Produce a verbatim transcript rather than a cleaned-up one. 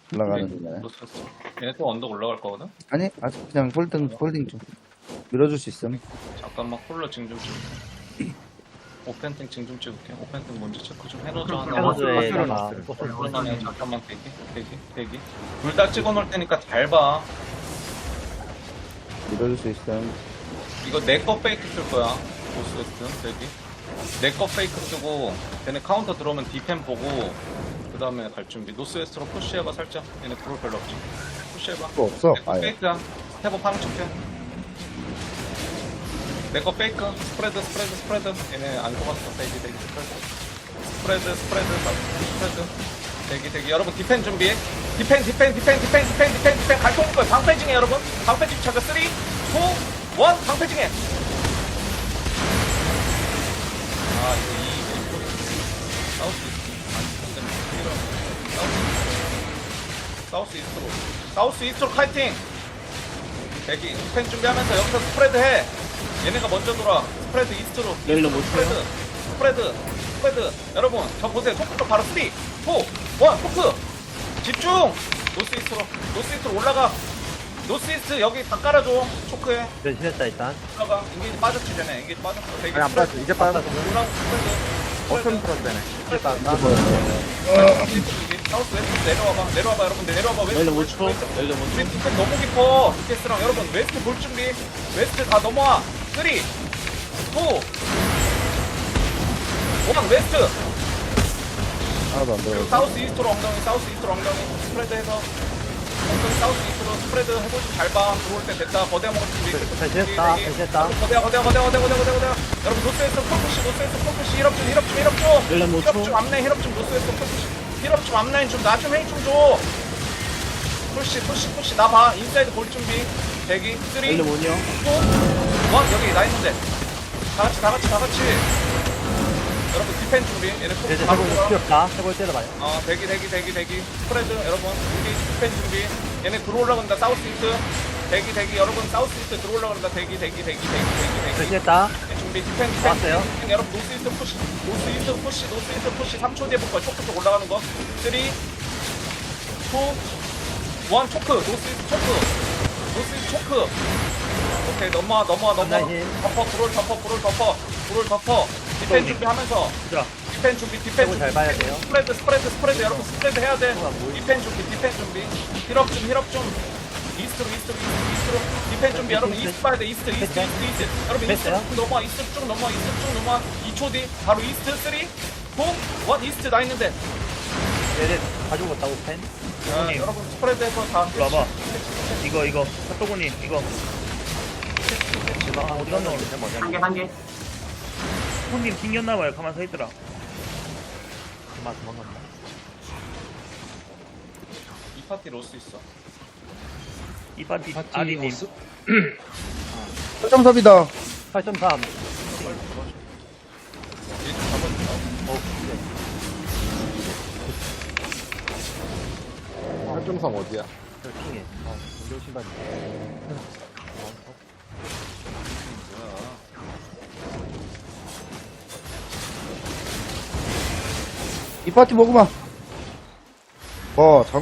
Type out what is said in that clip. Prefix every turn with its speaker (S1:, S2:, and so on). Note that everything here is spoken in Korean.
S1: 올라가는 중이네.
S2: 노스웨스트. 얘네 또 언덕 올라갈 거거든?
S1: 아니, 아직 그냥 홀딩, 홀딩 좀. 밀어줄 수 있음.
S2: 잠깐만 콜러 징좀 찍을게. 오펜팅 징좀 찍을게. 오펜팅 먼저 체크 좀 해놓자. 하나.
S3: 해노즈에다가
S2: 그러면 잠깐만 대기, 대기, 대기. 둘 다 찍어놓을 테니까 잘 봐.
S1: 밀어줄 수 있음.
S2: 이거 내 거 페이크 쓸 거야. 노스웨스트 대기. 내 거 페이크 쓰고 얘네 카운터 들어오면 디펜 보고 그 다음에 갈 준비. 노스웨스트로 푸시해봐 살짝. 얘네 브롤 별로 없지. 푸시해봐.
S1: 또 없어.
S2: 내거
S1: 아예.
S2: 페이크야. 스텝업 하는 척해. 내 거 페이크. 스프레드, 스프레드, 스프레드. 얘네 안 속았어. 대기, 대기, 스프레드. 스프레드, 스프레드, 스프레드. 대기, 대기. 여러분 디펜 준비. 디펜, 디펜, 디펜, 디펜, 디펜, 디펜, 디펜. 갈 거는 거야. 방패징해 여러분. 방패징 차가 삼, 이, 일. 방패징해. 아 이거 이 왼쪽 사우스 이스트 사우스 이스트로 사우스 이스트로 카이팅. 대기 스펜 준비하면서 여기서 스프레드 해. 얘네가 먼저 돌아. 스프레드 이스트로
S3: 여기로 못
S2: 스프레드 스프레드 스프레드. 여러분 저 보세요. 토크로 바로 삼, 이, 일. 토크 집중. 노스 이스트로 노스 이스트로 올라가. 노스 이스트 여기 다 깔아줘. 초크해.
S3: 변신했다 일단.
S2: 올라가. 인게이지 빠졌지 쟤네. 인게이지 빠졌어. 대기
S4: 아니 안 빠졌어. 이제 빠졌어.
S2: 올라가. 스프레드
S4: 어쩜 풀었대네.
S2: 사우스 웨스트 내려와봐. 내려와봐 여러분. 내려와봐. 웨스트
S3: 열려 못 쳐. 열려 못 쳐.
S2: 웨스트 너무 깊어. 디켓스랑 여러분 웨스트 볼 준비. 웨스트 다 넘어와. 삼, 이, 일. 웨스트.
S1: 하나도 안 들어.
S2: 사우스 이스트로 엉덩이. 사우스 이스트로 엉덩이. 스프레드 해서 엉덩이 사우스 이스트로 스프레드 해보시면 잘 봐. 들어올 때 됐다. 거대한 먹을 준비.
S3: 변신했다. 변신했다.
S2: 거대야 거대야 거대야 거대야 거대야 거대야. 여러분 노스에서 폴푸시 노스에서 폴푸시 힐업 좀 힐업 좀 힐업 좀.
S3: 열려 못
S2: 힐업
S3: 쳐.
S2: 좀 앞라인 힐업 좀 노스에서 폴푸시 힐업 좀 앞라인 좀 나 좀 힐 좀 줘. 푸시 푸시 푸시 나 봐. 인사이드 볼 준비. 대기 삼, 이, 일.
S3: 열려 못요.
S2: 여기 나 있는데. 다 같이 다 같이 다 같이. 여러분 디펜 준비. 얘네 꼭
S3: 이제
S2: 바로
S3: 해볼
S2: 돌아.
S3: 필요 없다. 해볼 때려봐요.
S2: 어 대기 대기 대기 대기 스프레드 여러분 여기 디펜 준비. 얘네 들어올라 간다. 사우스 이스트. 대기 대기 여러분 사우스 이스트 들어올라 간다. 대기 대기 대기 대기 대기 대기.
S3: 변신했다.
S2: 준비 디펜 디펜
S3: 왔어요.
S2: 디펜. 여러분 노스 이스트 푸시 노스 이스트 푸시 노스 이스트 푸시 삼 초 뒤에 볼 거야. 초크 쪽 올라가는 거 삼, 이, 이, 일. 초크 노스 이스트 초크 노스 이스트 초크. 오케이 넘어와 넘어와 넘어와.
S3: 한라인.
S2: 덮어 브롤 덮어 브롤 덮어 브롤 덮어. 디펜 준비하면서
S3: 들어.
S2: 디펜 준비 디펜
S3: 저거
S2: 준비.
S3: 잘 봐야 돼요.
S2: 스프레드 스프레드 스프레드 여러분 스프레드 해야 돼.
S3: 뭐야, 뭐야.
S2: 디펜 준비 디펜 준비. 힐업 좀 힐업 좀. 이스트로 이스트로 이스트로 이스트로 디펜 준비. 여러분 이스트 봐야 돼. 이스트 이스트 이스트 이스트. 여러분 이스트
S3: 됐어요?
S2: 쭉 넘어와. 이스트 쭉 넘어와. 이스트 쭉 넘어와. 이 초 뒤 바로 이스트 삼, 이, 일. 이스트 나 있는데.
S3: 얘네 가지고 갔다고 펜.
S2: 자, 여러분 스프레드해서 다.
S5: 일로 와봐. 이거 이거 핫도그님 이거
S3: 아, 어디 갔나 모르겠네. 뭐냐.
S4: 한 개, 한 개.
S5: 손님 튕겼나봐요. 가만 서 있더라.
S3: 그만 도망간다.
S2: 이 파티 로스 있어.
S5: 이 파티 아디님
S1: 설정섭이다.
S3: 팔 점 삼.
S2: 얘 잡아준다.
S3: 어,
S4: 한점삼 어디야?
S3: 저 킹해. 어, 공격 신발.
S1: 이 파티 먹으마. 뭐, 장